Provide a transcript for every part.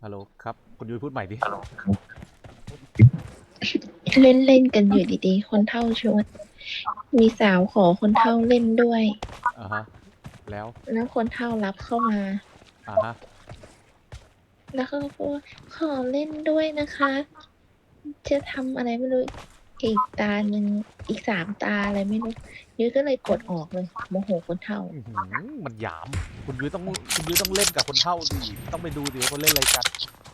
ฮัลโหลครับคุณยุ้ยพูดใหม่ดิเล่นเล่นกันอยู่ดีๆคนเฒ่าชวนมีสาวขอคนเฒ่าเล่นด้วยอ่าฮะแล้วแล้วคนเฒ่ารับเข้ามาอ่าฮะแล้วเขาก็พูดว่าขอเล่นด้วยนะคะจะทำอะไรไม่รู้อีกตาหนึ่งอีก3 ตาอะไรไม่รู้ยุ้ยก็เลยกดออกเลยโมโหคนเฒ่ามันหยามคุณยุ้ยต้องเล่นกับคนเฒ่าดิต้องไปดูดิว่าเขาเล่นอะไรกัน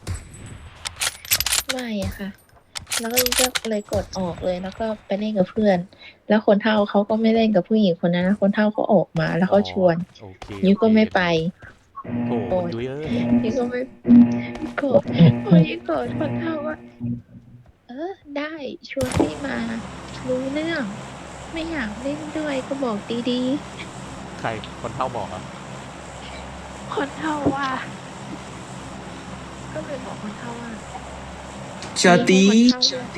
ไม่อะค่ะแล้วก็ยุ้ยก็เลยกดออกเลยแล้วก็ไปเล่นกับเพื่อนแล้วคนเฒ่าเขาก็ไม่เล่นกับผู้หญิงคนนั้นนะคนเฒ่าเขาออกมาแล้วอ๋อเขาชวนโอเคยุ้ยก็ไม่ไปดีโถโกรธคุณยุ้ยเอ้ยยุ้ยก็ไม่โกรธพอยุ้ยโกรธคนเฒ่าว่า ได้ชวนพี่มารู้เรื่องไม่อยากเล่นด้วยก็บอกดีใครคนเฒ่าบอกอ่ะๆคนเฒ่าว่าก็เลยบอกคนเฒ่าว่ามีให้คนเฒ่าเลือก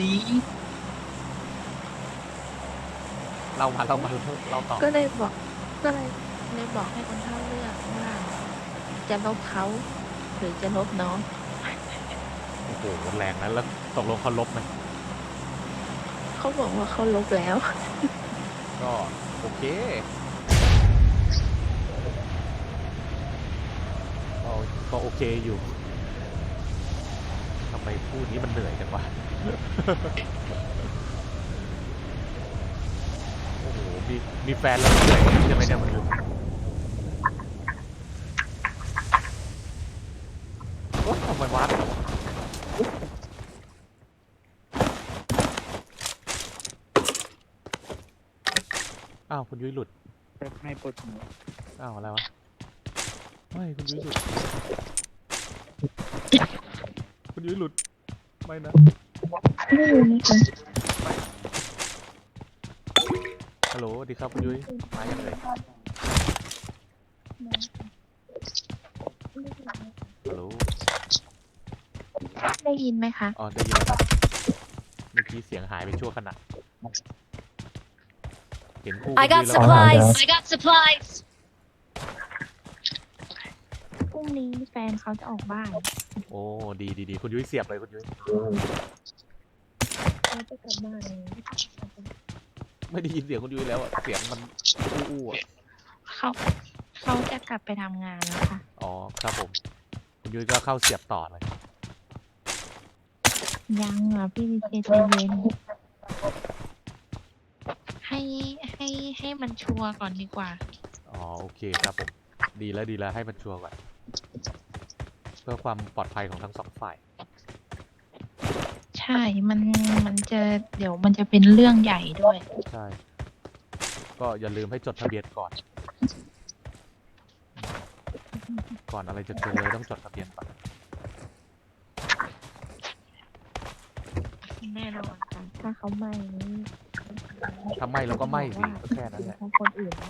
เราต่อก็เลยบอกก็เลยบอกให้คนเฒ่าเลือกว่าจะลบเขาหรือจะลบน้องโอ้โหแรงนั้นแล้วตกลงเขาลบไหมเขาบอกว่าเขาลบแล้วก็โอเคก็ก็โอเคอยู่ทำไมพูดนี้มันเหนื่อยจังวะโอ้โหมีแฟนแล้วเหนื่อยใช่ไหมเนี่ยมันโอ้ทำไมวะอ้าวคุณยุ้ยหลุดไม่ปวดหัวอ้าวอะไรวะไม่คุณยุ้ยหลุดคุณยุ้ยหลุดไม่นะไม่รู้นะคะฮัลโหลดีครับคุณยุ้ยมายังเลยฮัลโหลได้ยินไหมคะอ๋อได้ยินแล้วครับเมื่อกี้เสียงหายไปชั่วขณะเห็นคู่คุณ I ยุ้ got ยแล้ว supplies. I got supplies. พรุ่งนี้แฟนเขาจะออกบ้านโอ้ดีคุณยุ้ยเสียบเลยคุณยุ้ยเขาจะกลับบ้านเลยไม่ได้ยินเสียงคุณยุ้ยแล้วอะเสียงมันอู้ๆอะเขาเขาจะกลับไปทำงานแล้วค่ะอ๋อครับผมคุณยุ้ยก็เข้าเสียบต่อเลยยังอ่ะพี่ดีเจใจเย็นให้ให้มันชัวร์ก่อนดีกว่าอ๋อโอเคครับผมดีแล้วให้มันชัวร์ก่อนเพื่อความปลอดภัยของทั้งสองฝ่ายใช่มันจะเดี๋ยวมันจะเป็นเรื่องใหญ่ด้วยใช่ก็อย่าลืมให้จดทะเบียนก่อนอะไรจะเกินเลยต้องจดทะเบียนก่อนแน่นอนค่ะถ้าเขาไม่นี่ถ้าไม่เราก็ไม่สิก็แค่นั้นแหละคนอื่นนะ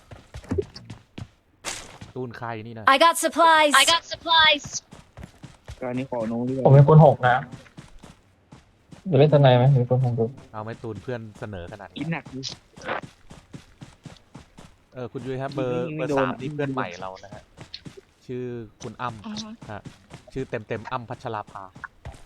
ตูนใครนี่นะ I got supplies. I got supplies. การนี้ขอโน้ตด้วยผมเป็นคนหกนะจะเล่นทนายไหมเป็นคนหกดูเอาไหมตูนเพื่อนเสนอขนาดกินี้นหนักดิคุณยุ้ยครับเบอร์ไม่โดน 3นี่เพื่อนใหม่เรานะฮะชื่อคุณอ้ำฮะชื่อเต็มอ้ำพัชราภา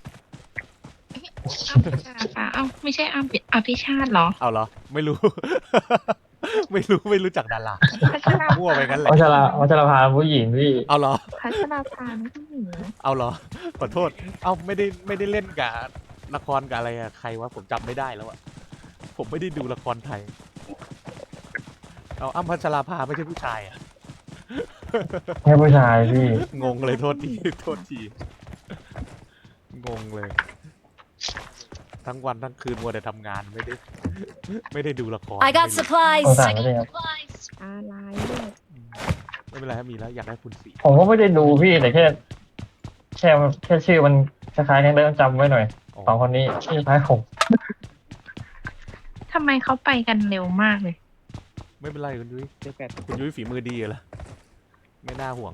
อ้ำพัชราภาเอ้าไม่ใช่อ้ำอภิชาติเหรอเอาเหรอไม่รู้ ไม่รู้จักดาราพัชรามั่วไปงั้นแหละวัชรพาผู้หญิงพี่เอาเหรอพัชราภาไม่ใช่หญิงนะเอาเหรอขอโทษเอาไม่ได้เล่นกับละครกับอะไรอะใครวะผมจำไม่ได้แล้วอะผมไม่ได้ดูละครไทยเอาอ้ำพัชราภาไม่ใช่ผู้ชายอะแค่ผู้ชายพี่งงเลยโทษทีงงเลยทั้งวันทั้งคืนมัวแต่ทำงานไม่ได้ดูละคร I got ไม่รู้ supplies. เอาสั่ง I ไม่ got ได้ครับ supplies. อะไรด้วยไม่เป็นไรครับมีแล้วอยากได้คุณสีผมก็ไม่ได้ดูพี่แต่แค่ชื่อมันคล้ายๆกันเดิมจำไว้หน่อยสองคนนี้ชื่อคล้ายผมทำไมเขาไปกันเร็วมากเลยไม่เป็นไรคุณยุ้ยเจอแปดคุณยุ้ยฝีมือดีเหรอไม่น่าห่วง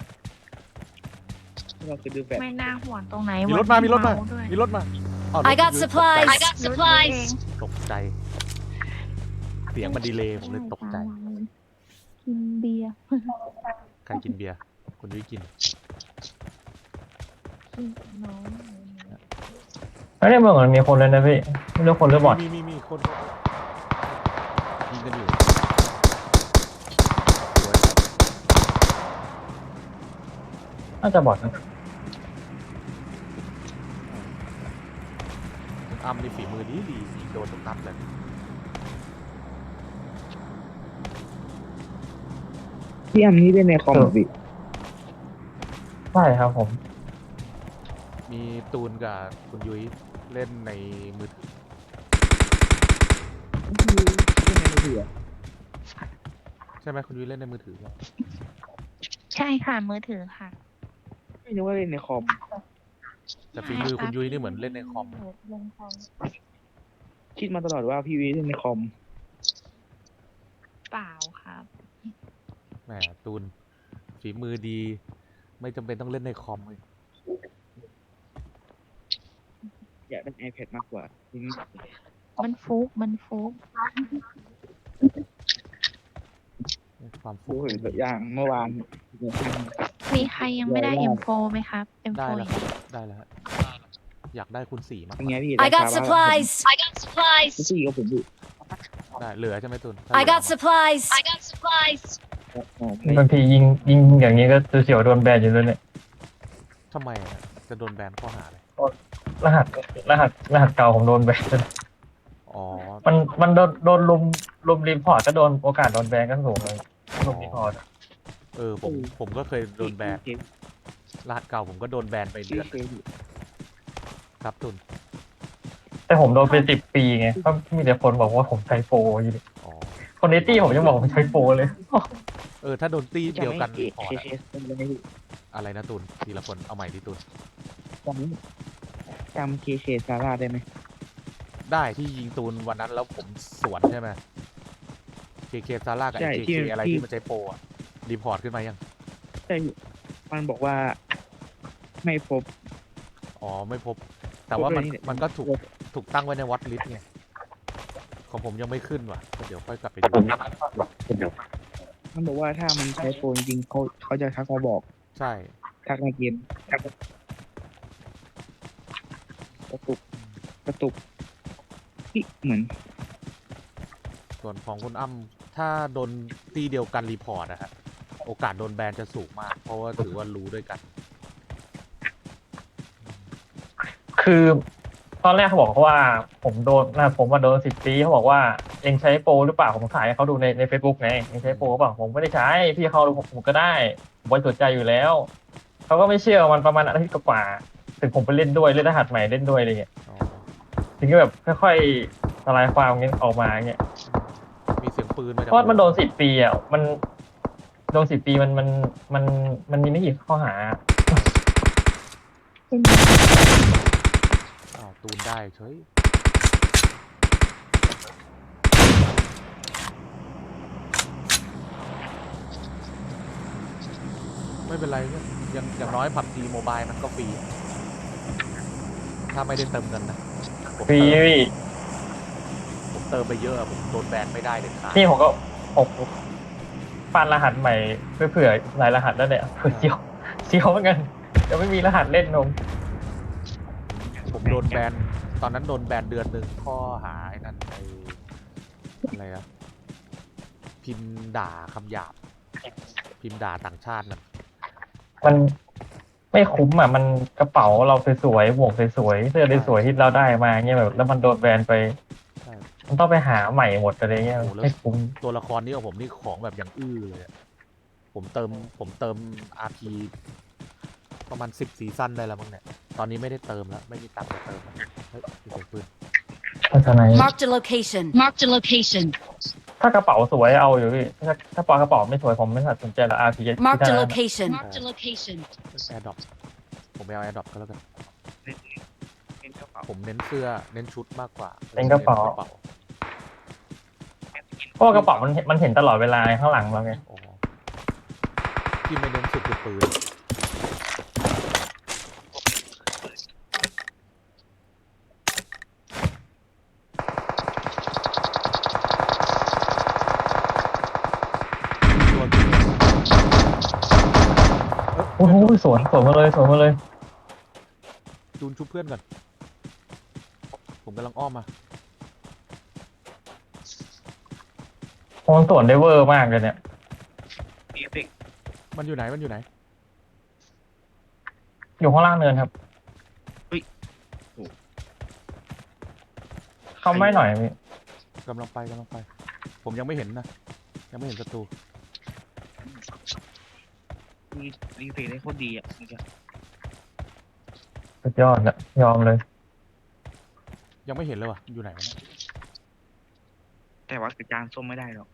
เราจะดูแปดไม่น่าห่วงตรงไหนมีรถมาด้วยอ้าวร I ถ got คุณยุ้ย supplies. I got รถเอง supplies. ตกใจเสียงมันดีเลยผมเลยตกใจกินเบียร์ใครกินเบียร์คุณยุ้ยกินน้องไม่ได้เมืองมันมีคนเลยนะพี่ไม่รู้คนหรือบอทมีคนยิงกันอยู่สวยครับน่าจะบอทนะคุณอ้ำนี่ฝีมือดียิงโดนทุกนัดเลยพี่อัมนี่เล่นในคอมเหรอพี่ใช่ครับผมมีตูนกับคุณยุ้ยเล่นในมือถือเล่นในมือถือใช่ไหมคุณยุ้ยเล่นในมือถือเหรอใช่ค่ะมือถือค่ะไม่รู้ว่าเล่นในคอมแต่ฝีมือคุณยุ้ยนี่เหมือนเล่นในคอมลงคอมคิดมาตลอดว่าพี่วีเล่นในคอมเปล่าครับแหมตูนฝีมือดี ไม่จำเป็นต้องเล่นในคอมเลยอยากเล่น iPad มากกว่าทีนี้มันฟุกความดูฟุ้งเห็นตัวอย่างเมื่อวานมีใครยังไม่ได้ M4 ไหมครับได้ M4 แล้วครับได้แล้วฮะอยากได้คุณสี่มากเป็นไงพี่ I got supplies. I got supplies. พี่กับผมอยู่ได้เหลือใช่ไหมตูน I got supplies. I got supplies. บางทียิงอย่างนี้ก็เสียวโดนแบนอยู่เลยเนี่ยทำไมอะจะโดนแบนข้อหาอะไรรหัสรหัสเก่าผมโดนแบนอ๋อมันโดนลุมรีพอร์ตก็โดนโอกาสโดนแบนก็สูงเลยลุมรีพอร์ตผมก็เคยโดนแบนรหัสเก่าผมก็โดนแบนไปเดือนครับตูนแต่ผมโดนไป10 ปีไงก็มีแต่คนบอกว่าผมใช้โปรอยู่ดิอ๋อคนในตี้ผมยังบอกผมใช้โปรเลยถ้าโดนตีเดียวกันรีพอร์ตเคอะเป็นไรพี่อะไรนะตูนทีละคนเอาใหม่ดิตูนจำเคซาร่าได้ไหมได้ที่ยิงตูนวันนั้นแล้วผมสวนใช่ไหมเคซาร่ากับใช่เคที่อะไรที่ที่มันใช้โปรอะรีพอร์ตขึ้นมายังใช่มันบอกว่าไม่พบอ๋อไม่พบ แต่ว่ามันพบเลยนี่มันก็ถูกตั้งไว้ในวอตลิสต์ไงของผมยังไม่ขึ้นว่ะก็เดี๋ยวค่อยกลับไปดูมันบอกว่าถ้ามันใช้โฟนจริงเขาจะทักมาบอกใช่ทักในเกมทักกระตุกนี่เหมือนส่วนของคุณอ้ำถ้าโดนตีเดียวกันรีพอร์ตนะฮะโอกาสโดนแบนจะสูงมาก เพราะว่าถือว่ารู้ด้วยกันคือตอนแรกเขาบอกว่าผมว่าโดน10 ปีเขาบอกว่าเองใช้โปรหรือเปล่าผมถ่ายให้เขาดูใน Facebook ไงเองใช้โปรหรือเปล่าผมไม่ได้ใช้พี่เขาดูผมก็ได้ผมบริสุทธิ์ใจอยู่แล้วเขาก็ไม่เชื่อมันประมาณอาทิตย์กว่าถึงผมไปเล่นด้วยเล่นรหัสใหม่เล่นด้วยอะไรเงี้ยอ๋อถึงก็แบบค่อยๆทลายความเงี้ยออกมาเงี้ยมีเสียงปืนมาจากเพราะมันโดน10 ปีอ่ะมันโดน10 ปีมันมีไม่กี่ข้อหาอ้าวตูนได้เฉยไม่เป็นไรเนี่ยอย่างน้อยผับจีโมบายมันก็ฟรี ถ้าไม่ได้เติมเงินนะผมฟรีเติมไปเยอะผมโดนแบนไม่ได้เด็ดขาดนี่ผมก็ปั้นรหัสใหม่เพื่อเผื่อหลายรหัสแล้วเนี่ยเผื่อเจียวเหมือนกันจะไม่มีรหัสเล่นนมผมโดนแบนตอนนั้นโดนแบนเดือนหนึ่งข้อหาไอ้นั่นอะไรอะพิมพ์ด่าคำหยาบ พิมพ์ด่าต่างชาตินะมันไม่คุ้มอ่ะมันกระเป๋าเราสวยๆหมวกสวยๆเสื้อสวยๆที่เราได้มาเงี้ยแบบแล้วมันโดนแบนไปใช่มันต้องไปหาใหม่หมดอะไรเงี้ยโอ้โหแล้วไม่คุ้มตัวละครนี้ของผมนี่ของแบบอย่างอื้อเลยอะผมเติม RP ประมาณ10 ซีซั่นได้แล้วมั้งเนี่ย ตอนนี้ไม่ได้เติมแล้ว ไม่มีตังค์จะเติมแล้วเฮ้ยมีเสียงปืนพัฒนา Marked a location. Marked a location. ถ้ากระเป๋าสวยเอาอยู่พี่ถ้าปากระเป๋าไม่สวยผมไม่สนใจละ RP Marked a location. Marked a location. แอร์ดรอปผมไม่เอาแอร์ดรอปก็แล้วกันเป็นกระเป๋าผมเน้นเสื้อ เน้นชุดมากกว่าเป็นกระเป๋า เพราะว่ากระเป๋ามันเห็นตลอดเวลาข้างหลังเราไงอ๋อที่ไม่เน้นสุดคือปืนโอ้โหสวนมาเลยจูนชุบเพื่อนก่อนผมกำลังอ้อมมาโอนส่วนได้เวอร์มากเลยเนี่ยมีเอฟเฟกต์มันอยู่ไหนมันอยู่ไหนอยู่ข้างล่างเนินครับเข้าไม่หน่อยพี่กำลังไปกำลังไป ผมยังไม่เห็นนะยังไม่เห็นศัตรูมีเอฟเฟกต์ได้โคตรดีอ่ะเมื่อกี้สุดยอดนะยอมเลยยังไม่เห็นเลยว่ะอยู่ไหนวะเนี่ยแต่ว่ากระจานส้มไม่ได้หรอก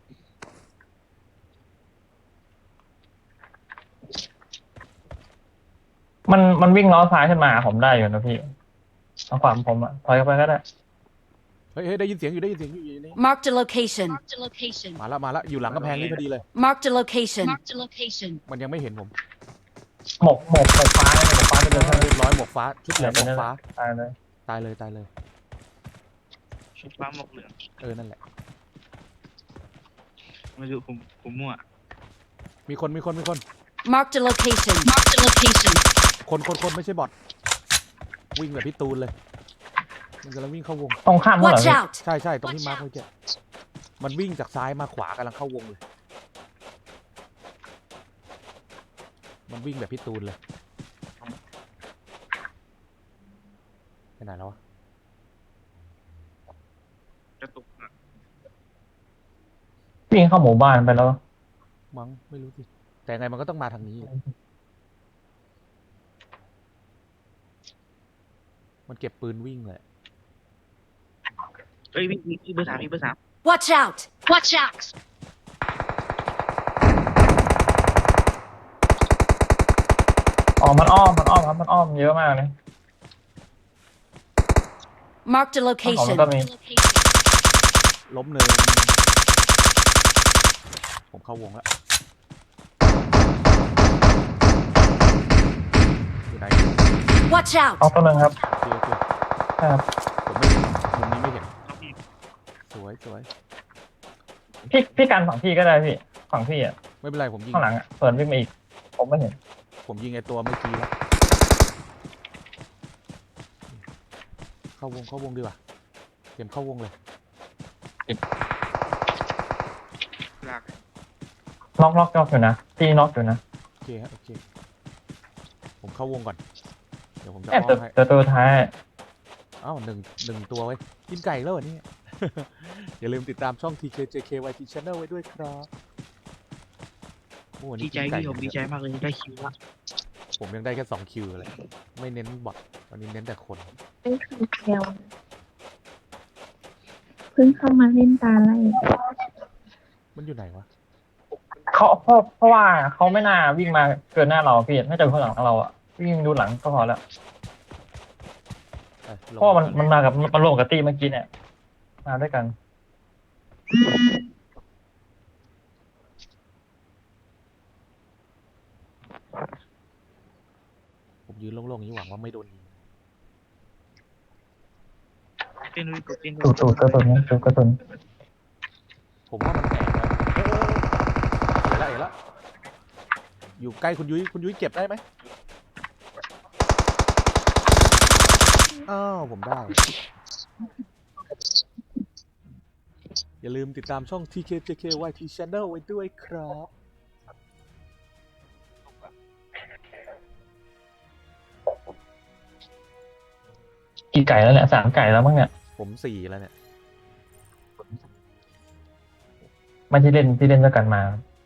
มันวิ่งล้อซ้ายขึ้นมาผมได้อยู่นะพี่เอาความผมอะถอยเข้าไปก็ได้เฮ้ยได้ยินเสียงอยู่ได้ยินเสียงอยู่นี่ Marked a location. Marked a location. มาแล้วอยู่หลังกำแพงนี่พอดีเลย Marked a location. Marked a location. มันยังไม่เห็นผมหมกฟ้าเนี่ยหมกฟ้าจะเดินเข้าเรียบร้อยหมวกฟ้าชุดเหลืองหมวกฟ้าตายเลยตายเลยตายเลยชุดฟ้าหมวกเหลืองนั่นแหละไม่รู้ผมมั่วมีคน Marked a location. Marked a location. คนไม่ใช่บอทวิ่งแบบพี่ตูนเลยมันกำลังวิ่งเข้าวงตรงข้ามเมื่อไหร่ Watch พี่ out. ใช่ตรงที่มาร์คเมื่อกี้มันวิ่งจากซ้ายมาขวากำลังเข้าวงเลย มันวิ่งแบบพี่ตูนเลยไปไหนแล้ววะกระตุกอะวิ่งเข้าหมู่บ้านไปแล้วมั้งไม่รู้สิแต่ไงมันก็ต้องมาทางนี้แหละมันเก็บปืนวิ่งเลยเอ้ยพี่เบอร์ 3พี่เบอร์ 3 Watch out. Watch out. อ๋อมันอ้อมครับมันอ้อมเยอะมากเลย Marked a ของ location. มันก็มีล้มหนึ่งผมเข้าวงแล้วอยู่ไหน Watch out. เอาตัวหนึ่งครับโอเคใช่ครับผมไม่เห็นมุมนี้ไม่เห็นน้องพี่สวยพี่กันฝั่งพี่ก็ได้พี่ฝั่งพี่อ่ะไม่เป็นไรผมยิงข้างหลังอ่ะเปิดวิ่งมาอีกผมไม่เห็นผมยิงไอตัวเมื่อกี้แล้วเข้าวงดีกว่าเตรียมเข้าวงเลยลากน็อกอยู่นะพี่น็อกอยู่นะโอเคฮะโอเคผมเข้าวงก่อนเดี๋ยวผมจะแอบอ้อมให้ตัวท้ายอ้าวหนึ่งตัวไว้กินไก่แล้วเหรอเนี่ย อย่าลืมติดตามช่อง TKJKYT Channel ไว้ด้วยครับโอ้วันดีนี้ใจกินไก่พี่ผมดีใจมากเลยได้คิวละผมยังได้แค่2คิวเลยไม่เน้นบอทวันนี้เน้นแต่คนเป็นคำเดียวเพิ่งเข้ามาเล่นตาไล่มันอยู่ไหนวะเขาเพราะว่าเขาไม่น่าวิ่งมาเกินหน้าเราพี่น่าจะอยู่ข้างหลังเราอ่ะวิ่งดูหลังก็พอแล้วไปลงเพราะว่ามันมากับมันลงกับตีเมื่อกี้เนี่ยมาด้วยกันผมยืนโล่งๆอย่างนี้หวังว่าไม่โดนยิงเต้นด้วยกดเต้นด้วตูดกระสุนตูดกระสุนผมว่ามันแตกแล้วเห็นแล้วอยู่ใกล้คุณยุ้ยเก็บได้ไหมอ้าวผมได้ อย่าลืมติดตามช่อง TKJKYT Channel ไว้ด้วยครับกี่ไก่แล้วเนี่ย3 ไก่แล้วมั้งเนี่ยผม4แล้วเนี่ยไม่ที่เล่นด้วยกันมา